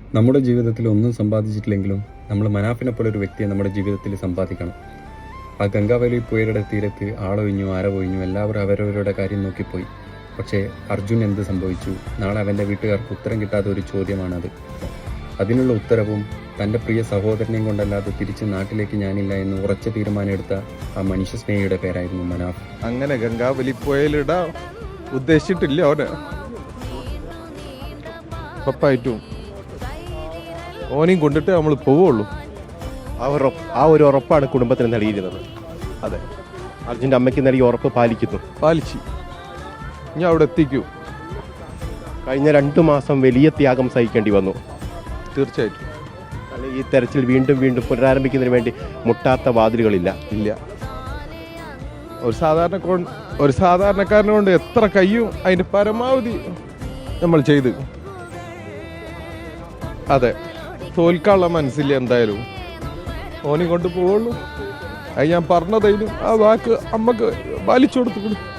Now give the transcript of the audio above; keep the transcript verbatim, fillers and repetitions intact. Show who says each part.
Speaker 1: നമ്മുടെ ജീവിതത്തിൽ ഒന്നും സമ്പാദിച്ചിട്ടില്ലെങ്കിലും നമ്മൾ മനാഫിനെ പോലെ ഒരു വ്യക്തിയെ നമ്മുടെ ജീവിതത്തിൽ സമ്പാദിക്കണം. ആ ഗംഗാവലി പുഴയുടെ തീരത്ത് ആളൊഴിഞ്ഞു ആരവൊഴിഞ്ഞു എല്ലാവരും അവരവരുടെ കാര്യം നോക്കിപ്പോയി. പക്ഷേ അർജുൻ എന്ത് സംഭവിച്ചു? നാളെ അവൻ്റെ വീട്ടുകാർക്ക് ഉത്തരം കിട്ടാത്ത ഒരു ചോദ്യമാണത്. അതിനുള്ള ഉത്തരവും തൻ്റെ പ്രിയ സഹോദരനെയും കൊണ്ടല്ലാതെ തിരിച്ച് നാട്ടിലേക്ക് ഞാനില്ല എന്ന് ഉറച്ച തീരുമാനമെടുത്ത ആ മനുഷ്യസ്നേഹിയുടെ പേരായിരുന്നു മനാഫ്.
Speaker 2: അങ്ങനെ ഗംഗാവലി പുഴയിലിടാൻ ഉദ്ദേശിച്ചിട്ടില്ല ഓനെ. ഉറപ്പായിട്ടും ഓനെയും കൊണ്ടിട്ട് നമ്മൾ പോവുള്ളൂ.
Speaker 3: ആ ഒരു ആ ഒരു ഉറപ്പാണ് കുടുംബത്തിന് നൽകിയിരുന്നത്. അതെ, അർജുൻ്റെ അമ്മയ്ക്ക് നൽകിയ ഉറപ്പ് പാലിക്കുന്നു.
Speaker 2: പാലിച്ച് ഞാൻ അവിടെ എത്തിക്കൂ.
Speaker 3: കഴിഞ്ഞ രണ്ടു മാസം വലിയ ത്യാഗം സഹിക്കേണ്ടി വന്നു.
Speaker 2: തീർച്ചയായിട്ടും.
Speaker 3: അല്ലെങ്കിൽ ഈ തെരച്ചിൽ വീണ്ടും വീണ്ടും പുനരാരംഭിക്കുന്നതിന് വേണ്ടി മുട്ടാത്ത വാതിലുകളില്ല.
Speaker 2: ഇല്ല. ഒരു സാധാരണ ഒരു സാധാരണക്കാരനെ കൊണ്ട് എത്ര കഴിയും അതിൻ്റെ പരമാവധി നമ്മൾ ചെയ്ത്. അതെ, തോൽക്കാനുള്ള മനസ്സില്ല എന്തായാലും. ഓനെ കൊണ്ട് പോവുള്ളൂ. അത് ഞാൻ പറഞ്ഞതതിനും ആ വാക്ക് അമ്മക്ക് പാലിച്ചു കൊടുത്തു.